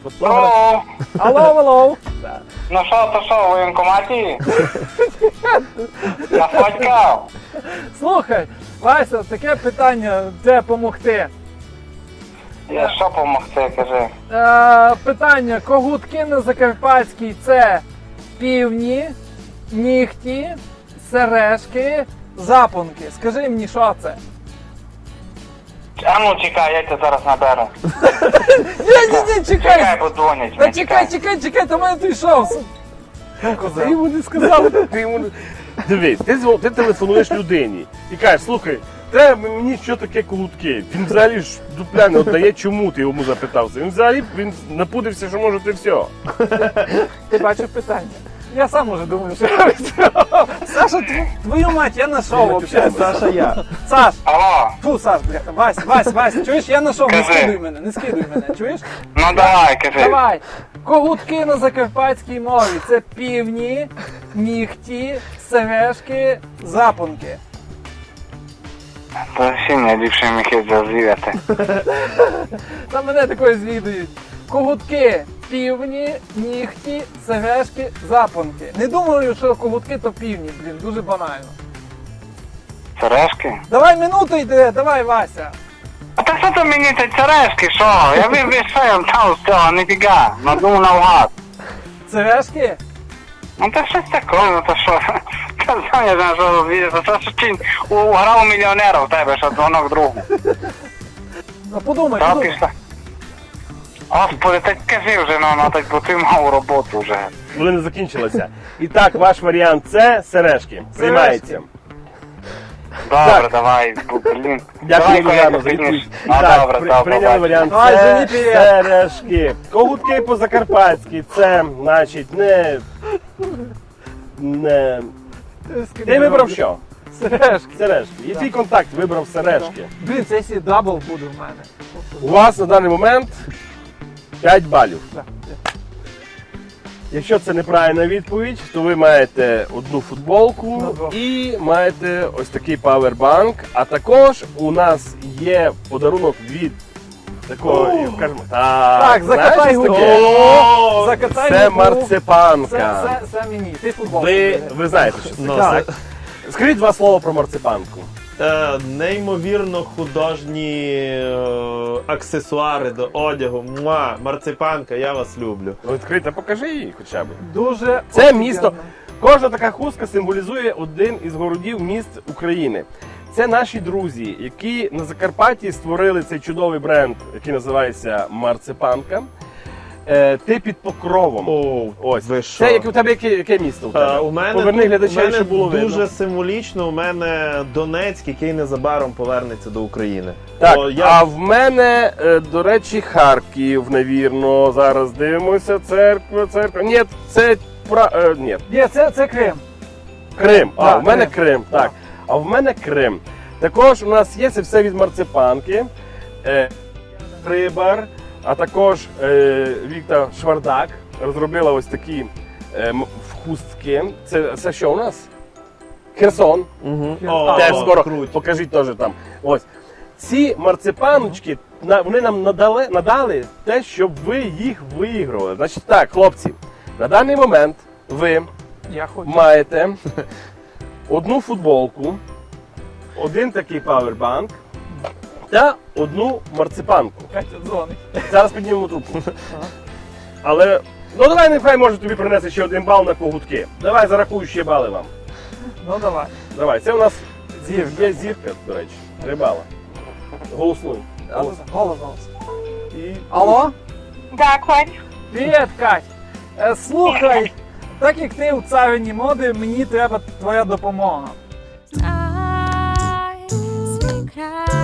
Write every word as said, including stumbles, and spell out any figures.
Фотограф. Алло, Алло, алло. ну що, то що, в воєнкоматі? Нафоткав? Слухай, Вася, таке питання, де допомогти. Я що помогти, кажи? Е, питання, когутки на Закарпатській це півні, нігті, сережки, запонки. Скажи мені, що це? А ну чекай, я тебе зараз наберу. Ні, ні, ні, Чекай, чекай. подзвонять. Та мені, чекай, чекай, чекай, до мене прийшов. Ти йому не сказав, ти йому не... Дивись, ти, дзвон- ти телефонуєш людині і кажеш, слухай, те мені що таке колутки? Він взагалі ж дупля не віддає, чому ти йому запитався? Він взагалі він напудився, що може ти все. Ти бачив питання? Я сам уже думаю, що я відповідав. Саша, тв- твою мать, я знайшов взагалі. Саша, я. Саш, Алло, фу, Саш, бляха, Вась, Вась, Вась, чуєш, я знайшов, не Кажи. скидуй мене, не скидуй мене, чуєш? ну давай, кажи. Давай. Когутки на закарпатській мові це півні, нігті, сережки, запонки. То всі найліпші міхи зазвіряти. Та мене такою звідують. Когутки, півні, нігті, сережки, запонки. Не думаю, що когутки то півні, блін, дуже банально. Сережки? Давай минуту йде, давай, Вася. А так що то мені ці сережки, що? Я вибіг, що я там з цього, ніфіга. Надумав навгад. Сережки? Ну то щось таке, ну то що? Та сам я знаю, що розвідати. Це що чи уграв мільйонера в тебе, що дзвонок другу. Ну подумай, Та подумай. пішла. Господи, так кажи вже, ну, ну так бо ти мав роботу вже. Коли не закінчилося. І так, ваш варіант це сережки. Займається. Добре, Так. давай, бу- блін. Дякую, Давай, Уляно, коли за відповідь. ти І Ну, так, добре, при- добре, прийняли бачу. варіант Давай, це жені, привіт. сережки. Когутки по-закарпатськи, це, значить, не... не... Ти вибрав що? Сережки. Сережки. І твій контакт вибрав сережки. Блін, це сі дабл буде в мене. У вас на даний момент п'ять балів. Так. Якщо це неправильна відповідь, то ви маєте одну футболку На двох. і маєте ось такий павербанк. А також у нас є подарунок від такого, як кажемо, так, Так, закатай знаєш, губу. таке? О, закатай Це губу. марципанка. Це, це, це мені. Ти футбол. Ви, ви знаєте, що це. Ну, так? це- Скажіть два слова про марципанку. Е, неймовірно художні е, аксесуари до одягу. Муа, марципанка, я вас люблю. Ну, відкрийте, покажи її хоча б. Дуже Це офігенно. місто. Кожна така хустка символізує один із городів міст України. Це наші друзі, які на Закарпатті створили цей чудовий бренд, який називається Марципанка. Е, ти під покровом. О, Ось. ви що? Це як у тебе яке, яке місто? У, тебе? Е, у мене, Поверни тут- глядачам, у мене щоб було дуже видно. символічно, у мене Донецьк, який незабаром повернеться до України. Так, О, я... а в мене, е, до речі, Харків, навірно. Зараз дивимося. Церква, церква. Ні, це пра... е, ні, Ні, це, це Крим. Крим. А, Так, в мене Крим. Крим. Так. А в мене Крим. Також у нас є це все від марципанки. Е, Рибар, а також е, Вікта Швардак розробила ось такі е, м- хустки. Це, це що у нас? Херсон. Угу. А, Теж о, скоро круть. покажіть теж там. Ось. Ці марципаночки, на- вони нам надали, надали те, щоб ви їх виігрували. Значить так, хлопці, на даний момент ви Я хочу. маєте одну футболку, один такий павербанк та одну марципанку. Катя дзвонить. Зараз піднімемо трубку. Але, ну давай, нехай може тобі принесе ще один бал на когутки. Давай, зарахую ще бали вам. Ну давай. Давай, це у нас Зірка. є зірка, до речі, три бала. Голосуй. Голос, голос. голос. І... Алло? Да, Кать. Привіт, Кать. Е, слухай, так як ти у царині моди, мені треба твоя допомога. Eyes, sweet cry.